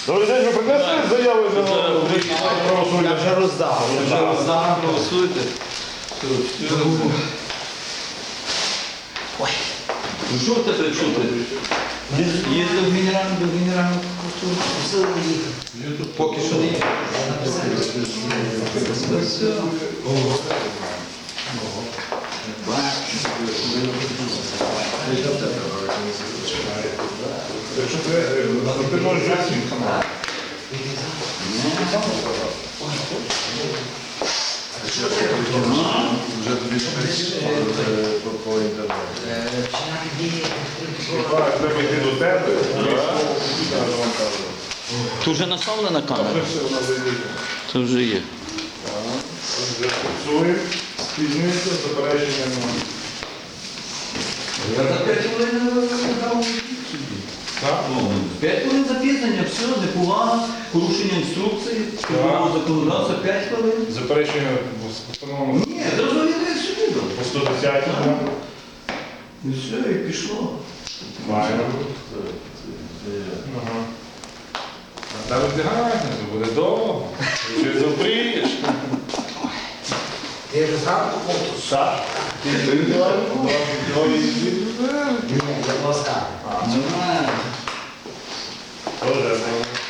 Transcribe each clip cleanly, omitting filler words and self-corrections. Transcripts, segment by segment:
Добрий день, ви принесли заяви за правосуддя? Я вже роздав. Голосуйте. Ну що в тебе чути? Їздив до генерального прокурора? Поки що не є. Все. Якщо ти можеш жити. Вже тобі по інтернету. Треба йти до тебе. Тут вже наставлена камера? Це вже є. Вже фіксує, спізнюється, заперечення немає. Я за 5 хвилин дав. Так? 5 хвилин запізнення, все, неповага, порушення інструкції, законодавства 5 хвилин. Заперечення в постановленому Ні, зрозуміло, як собі дав. по 110. І все, і пішло. Маємо. Ага. А та роздягання, це буде довго. Ти вже запрієш. Ти вже зранку фото? Так. Ти індивідуально? Ні, я ласка. Нормально. Тоже.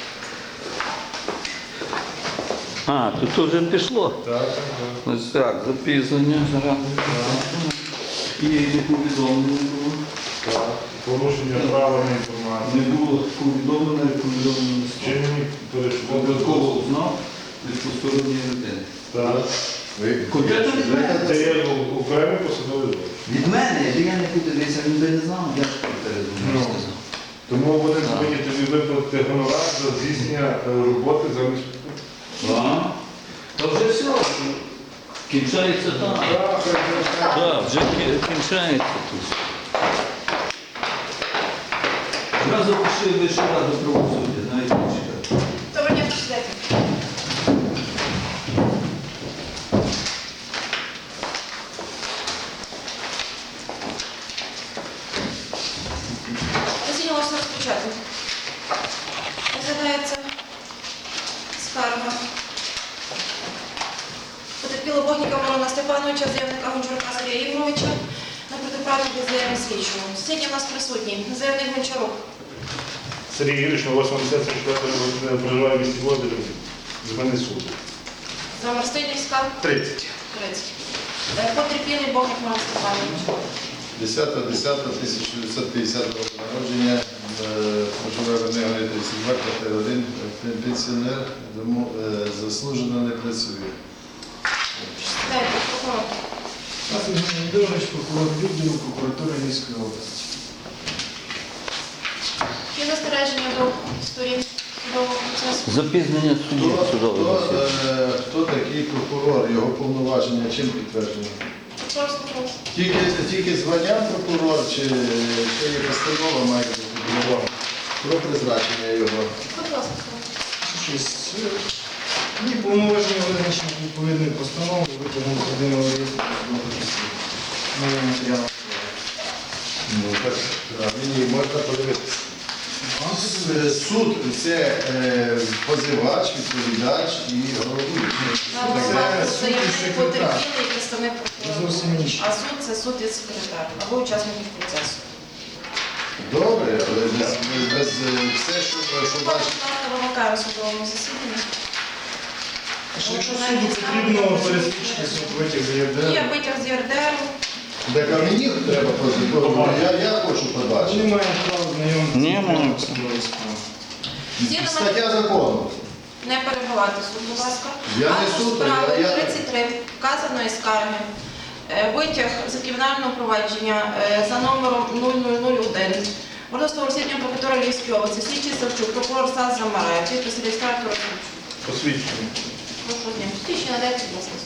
А, тут вже пішло. Так, так. Ось так, запізнення зараз. І не повідомлення було. Так. Порушення права на Не інформацію. було повідомлення, повідомлення. Вчинені перешкоди. Додатково узнав від посторонньої людини. Так. Конкретно від мене. Це є окремий посадовий злочин. Від мене, якби я не подивився, він би не знав, я ж передумав сказав. Тому вони повинні тобі виплатити гонорар за здійснення роботи замість. Так. Та вже все, кінчається там. Так, вже кінчається тут. Зразу пішли Вищу раду правосуддя, навіть не чекати. Доброго дня, председатель. Засідання можна розпочати. Розглядається скарга потерпілого Богніка Мирона Степановича, заявника Гончарука Сергія Ігоровича на протиправну бездіяльну слідчого. Сьогодні у нас присутній заявник Гончарук. Сергій Юрійович на 84 проживає в місті Володимирі. З мене суд. За Марстинівська 30. 30. Потерпілий Богник Мирон Степанович. 10.10.1950 року народження, проживає в Негорі 32, квартира 1, пенсіонер, заслужено не працює. Дайте, прокурор. Євгеній Євгенович, прокурор відділу прокуратури Львівської області. Є застереження до сторін судового процесу. Запізнення судді судового засідання. Хто такий прокурор, його повноваження чим підтверджено? Просто. Тільки звання прокурор, чи ще є постанова має бути прокурором про призначення його? Будь ласка. Щось і повноваження визначені відповідною постановою, витягом єдиного реєстру судових розслідувань. Новий матеріал. Ну, так, мені можна подивитися. Суд – це позивач, відповідач і головуючий. Нам Це сказали, суд що і є секретар. потерпілий і представник прокурора. Зовсім інше. А суд це суд і секретар або учасників процесу. Добре, але без все, що Будь бачить. ласка, вимикаю судовому засіданні. Що якщо суду потрібно пересвідчити суд витяг з Є ЄРДР, витяг з ЄРДР. Так а мені треба позивати, я хочу вони побачити. мають право знайомитися Ні, з можна. судовою справою. Стаття закону. Не перебивати суд, будь ласка. Я не Акту суд, справи я- 33 вказаної скарги. Витяг з кримінального провадження за номером 0001. Мордовського розслідування прокуратури Львівської області. Слідчий Савчук, прокурор САС Замараєв, підпис реєстратора Савчук. Посвідчення. Прошу дня. Слідчий надайте, будь ласка.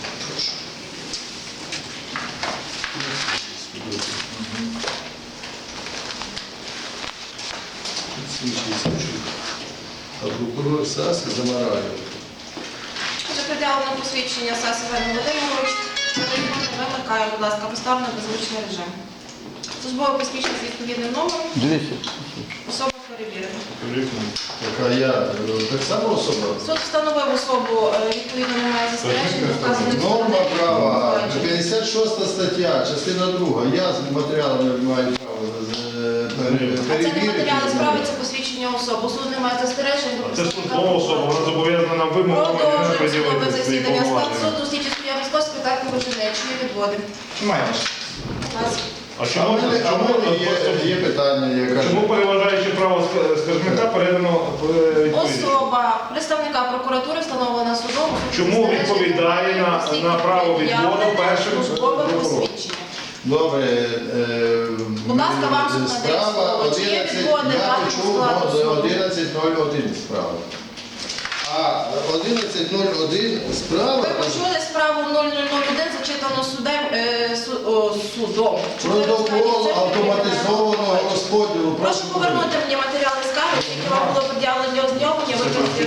А прокурор САС Замараєв. Вже пред'явлено посвідчення САС Іван Володимирович. Вимикаю, будь ласка, поставлено на беззвучний режим. Службове посвідчення з відповідним номером. Дивіться. Особа перевіримо. Яка я так само особа. Суд встановив особу, відповідно немає застережень, до вказаних Норма сторонних права, проваджень. 56 стаття, частина 2. Я з матеріалами маю право А це не матеріали справи, це посвідчення особи. Суд не має застережень до Це представника службова особа, прокурора. вона зобов'язана нам вимогами Продовжуємо судове приділити свої засідання. Склад повноваження. суду, слідчі суддя Московської та Коврожинеччини відводимо. Маєш. А А чому, в мене є питання, яке... чому переважаючи право скаржника передано відповідь? Особа представника прокуратури встановлена судом. Чому відповідає на право відводу першим службовим прокурором? посвідченням? Добре, Будь ласка, вам суд надає справа слово. Чи є 11, відводи я даному почув складу суду? 11.01 справа. А 11.01 справа Ви почули справу 0001, зачитану судом. протокол автоматизованого розподілу. Прошу повернути мені матеріали скарги, які вам було пред'явлені для ознайомлення, викласти.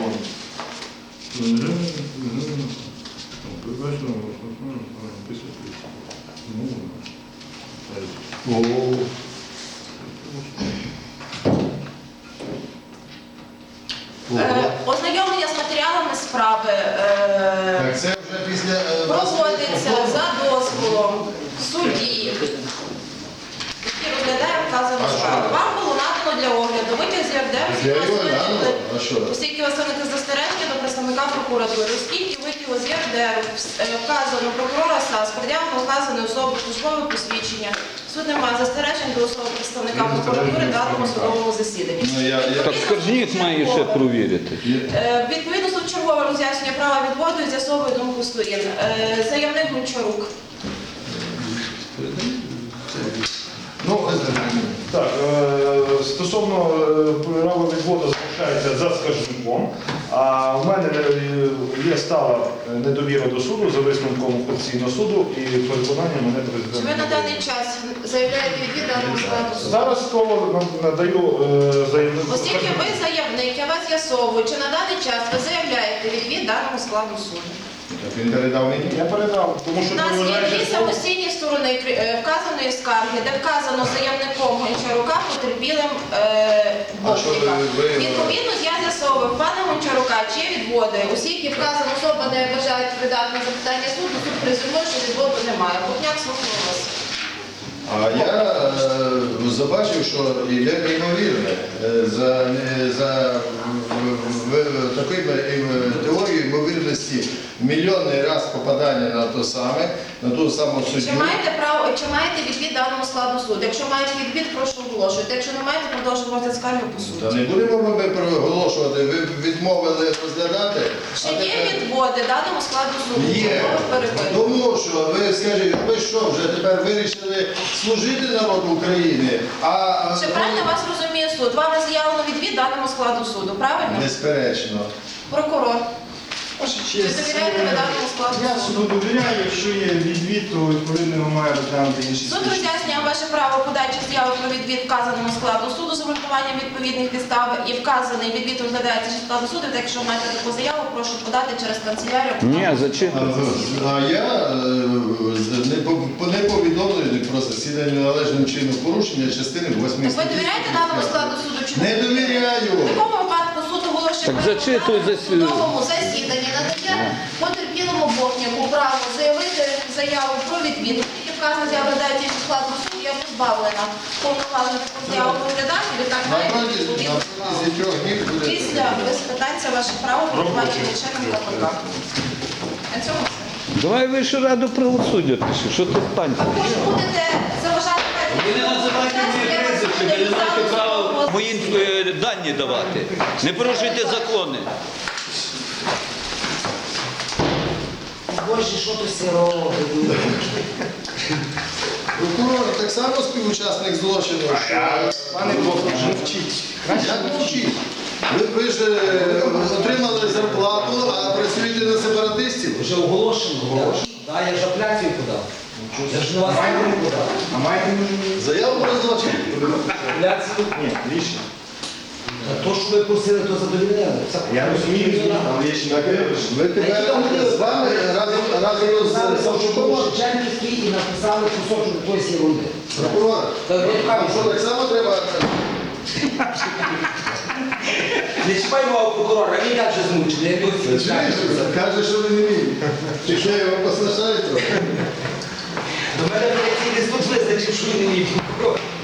Ознайомлення з матеріалами справи Так це вже після вас проводиться за дозволом судді, який розглядає вказану А що? справу. Вам було надано для огляду витяг з ЄРДР, Я його глянула, а що? оскільки ви виникли застереження до представника прокуратури, оскільки витягу з ЄРДР вказано прокурора САС, пред'явлено вказаної особи службове посвідчення. Суд не має застережень до особи представника прокуратури в даному судовому засіданні. Ну, Так скаржник має ще провірити. Відповідно, суд чергове роз'яснює права відводу і з'ясовує думку сторін. Заявник Гончарук. Ну, Так, стосовно права відводу залишається за скаржником, а в мене є стала недовіра до суду за висновком Конституційного суду і переконання мене Чи ви на президента. даний час заявляєте відвід даному складу суду? Зараз слово надаю заявнику. Оскільки ви заявник, я вас з'ясовую, чи на даний час ви заявляєте відвід даному складу суду? так він передав мені. Я передав, тому що У нас є переважаючи дві слово- самостійні сторони вказаної скарги, де вказано заявником Гончарука потерпілим А що Бортника. ви- Відповідно, я з'ясовую пана Гончарука, чи є відводи. Оскільки вказана особа не бажає відповідати на запитання суду, суд презюмує, що відводу немає. Бортняк, слухаю вас. А я побачив, що йде неймовірне за такою теорією ймовірності мільйонний раз попадання на то саме, на ту саму Чи суддю. маєте право, чи маєте відвід даному складу суду? Якщо маєте відвід, прошу оголошуйте. Якщо не маєте, продовжуйте скаргу по суду. Та не будемо ми проголошувати, ви відмовили розглядати. Чи є відводи даному складу суду? Є. Чому ви перебили? Тому що ви скажіть, ви що, вже тепер вирішили служити народу України, а Чи правильно вас розуміє суд? Вам заявлено відвід даному складу суду, правильно? безперечно. Прокурор. Ваша Чи честь, довіряєте ви даному складу я суду? суду довіряю, якщо є відвід, то відповідно його має розглянути інший Суд слідчий. роз'яснює ваше право подачі заяви про відвід вказаному складу суду з обґрунтуванням відповідних підстав і вказаний відвід розглядається зі складу суду. Так, якщо маєте таку заяву, прошу подати через канцелярію. Ні, зачитую. А я не повідомлений про засідання належним чином порушення частини 8 Так ви довіряєте даному складу суду чи Не довіряю. В такому випадку суд оголошує Так зачитуй в судовому засіданні, надає потерпілому Бортняку право заявити заяву про відвід. Тільки вказана заява розглядається зі складу суду, я позбавлена повноважень таку заяву розглядати, відтак має Напротязі відповідно. 3 днів буде. Після без питань це ваше право перебування членом КПК. На цьому все. Давай Вищу раду правосуддя пиши, що ти панці? Також будете заважати Ви не називайте мені прізвище, ви не маєте права мої дані давати. Не порушуйте закони. Боже, що ти все робиш? Прокурор так само співучасник злочину. Пане Бог, мовчіть. Як мовчить? Ви ж отримали зарплату, а працюєте на сепаратистів? Вже оголошено. Так, я ж апеляцію подав. Я ж на вас не подав. А маєте можливість? Заяву про злочин. Апеляцію? Ні, рішення. Та то, що ви просили, то задовільняли. Я розумію, але рішення. Ви тепер з вами разом з Савчуком. Шевченківський і написали кусочок якоїсь ерунди. Прокурор, Так, вам що так само треба Не чіпай мого прокурора, він так же змучений, я його Та чуєш, каже, що ви не вмієте. Чи що його послушає трохи? До мене апеляційний суд визначив, що він не мій прокурор.